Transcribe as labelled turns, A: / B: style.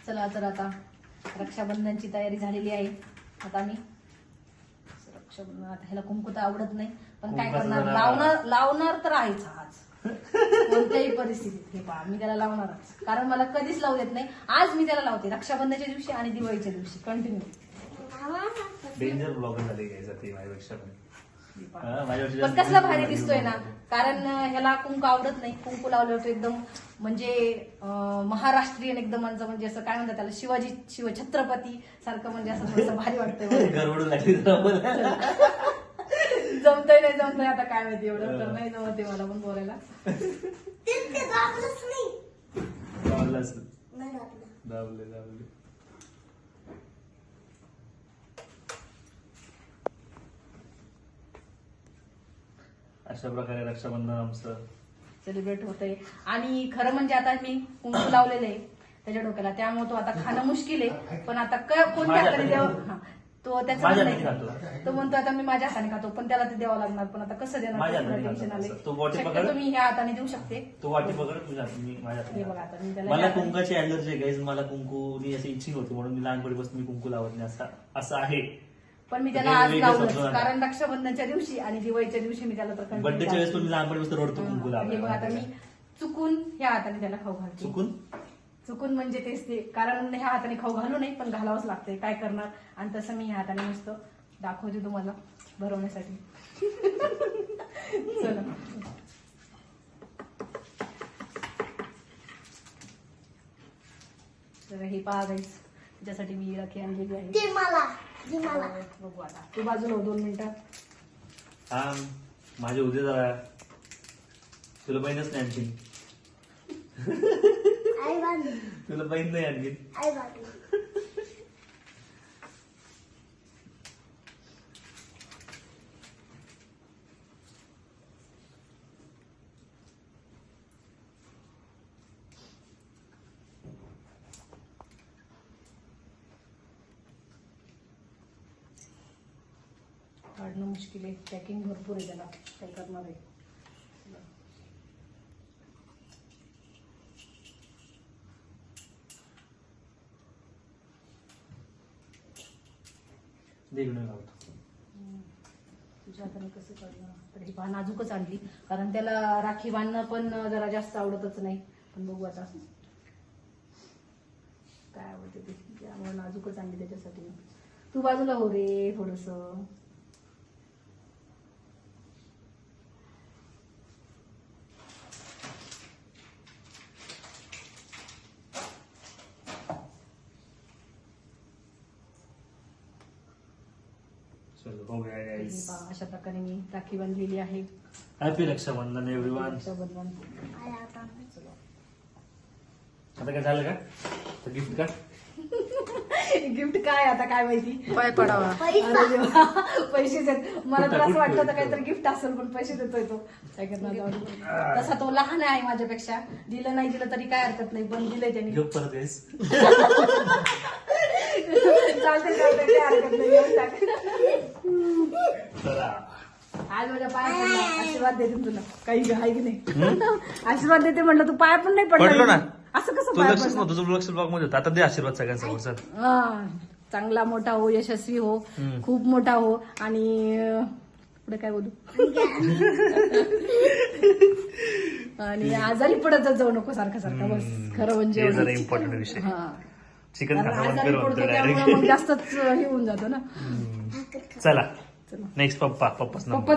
A: चला तर आता रक्षाबंधनची तयारी झालेली आहे. आता मी रक्षाबंधन, आता ह्याला कुंकू तर आवडत नाही, पण काय करणार, लावणार तर आहेच आज कोणत्याही परिस्थितीत. हे पहा, मी त्याला लावणारच, कारण मला कधीच लावू देत नाही. आज मी त्याला लावते रक्षाबंधनच्या दिवशी आणि दिवाळीच्या दिवशी कंटिन्यू.
B: डेंजर ब्लॉगर झाले घ्यायचा ते माझ्यापेक्षा
A: पण कसला भारी दिसतोय ना, कारण ह्याला कुंकू आवडत नाही. कुंकू लावलं होतं एकदम म्हणजे महाराष्ट्रीयन एकदम, म्हणजे असं काय म्हणतात त्याला, शिवछत्रपती सारखं, म्हणजे असं थोडंसं भारी वाटतंय. जमतंय नाही जमतंय आता काय माहिती, एवढं तर नाही जमते मला पण बोलायला.
B: अशा प्रकारे रक्षाबंधन आमचं
A: सेलिब्रेट होतंय. आणि खरं म्हणजे आता मी कुंकू लावलेलं आहे त्याच्या डोक्याला, त्यामुळे तो आता खाणं मुश्किल आहे. पण आता कोणत्या हाताने द्यावं, तो त्याचा नाही, तो म्हणतो आता मी माझ्या हाताने खातो, पण त्याला ते द्यावं लागणार. पण आता कसं देणार, टेन्शन आले. शक्यतो मी ह्या हाताने देऊ शकते.
B: तो वाटी पकड तुझ्या, मी माझ्या
A: हे बघा आता मी त्याला,
B: मला कुंकाची अलर्जी आहे गाईज. मला कुंकूनी अशी इच्छिंग होती, म्हणून मी लहानपणीपासून मी कुंकू लावत नाही, असं आहे.
A: पण मी त्याला आज लावलं, कारण रक्षाबंधनच्या दिवशी आणि दिवाळीच्या दिवशी मी त्याला तर
B: बर्थडेच्या वेळेस पण मी लहानपणीपासून रडतो कुंकू
A: हे बघा आता मी चुकून ह्या हाताने त्याला खाऊ घालते. चुकून म्हणजे तेच ते, कारण ह्या हाताने खाऊ घालू नाही, पण घालावंच लागतंय, काय करणार. आणि तसं मी ह्या हाताने नुसतं दाखवते तुम्हाला भरवण्यासाठी. चला तर हे पहा गाईस, त्याच्यासाठी मी राखी आणलेली आहे. बघू आता, तू बाजूला हो 2 मिनिटं.
B: हा माझे उद्या जरा, तुला बहीणच नाही आणखी, तुला बहीण नाही आणखी.
A: काढणं मुश्किल आहे, पॅकिंग भरपूर आहे, त्याला काय करणार आहे. तुझ्या हाताने कसं काढणार, तर ही पहा नाजूकच आणली, कारण त्याला राखी बांधणं पण जरा जास्त आवडतच नाही. पण बघू आता काय आवडते ते, त्यामुळे नाजूकच आणली त्याच्यासाठी. तू बाजूला हो रे थोडस. अशा प्रकारे मी राखी बांधलेली आहे.
B: Happy Rakshabandhan everyone.
A: रक्षाबंधन
B: आता काय झालं का, तर गिफ्ट का,
A: गिफ्ट काय आता काय माहिती,
C: पाय पडावा.
A: पैसे देत मला तर असं वाटतं होतं काहीतरी गिफ्ट असेल, पण पैसे देतोय तो. काय करणार, तसा तो लहान आहे माझ्यापेक्षा, दिलं नाही दिलं तरी काय हरकत नाही, पण दिलंय त्यांनी.
B: परत येस
A: चालते काय हरकत नाही. आज माझ्या पाया पडला, आशीर्वाद देते तुला, काही आहे की नाही. आशीर्वाद देते म्हटलं, तू पाया पण नाही पडलो ना, असं कसं पाया पडलं.
B: तुझं लक्ष ब्लॉग मध्ये आता दे आशीर्वाद सगळ्यांसमोर.
A: चांगला मोठा हो, यशस्वी हो, खूप मोठा हो, आणि पुढे काय बोलू, आणि आजारी पडतच जाऊ नको सारखं सारखं. बस खरं म्हणजे
B: इम्पॉर्टंट विषय. चिकन
A: आजारी पडतो त्यामुळे मग जास्तच हे होऊन जातं ना.
B: चला नेक्स्ट पप्पा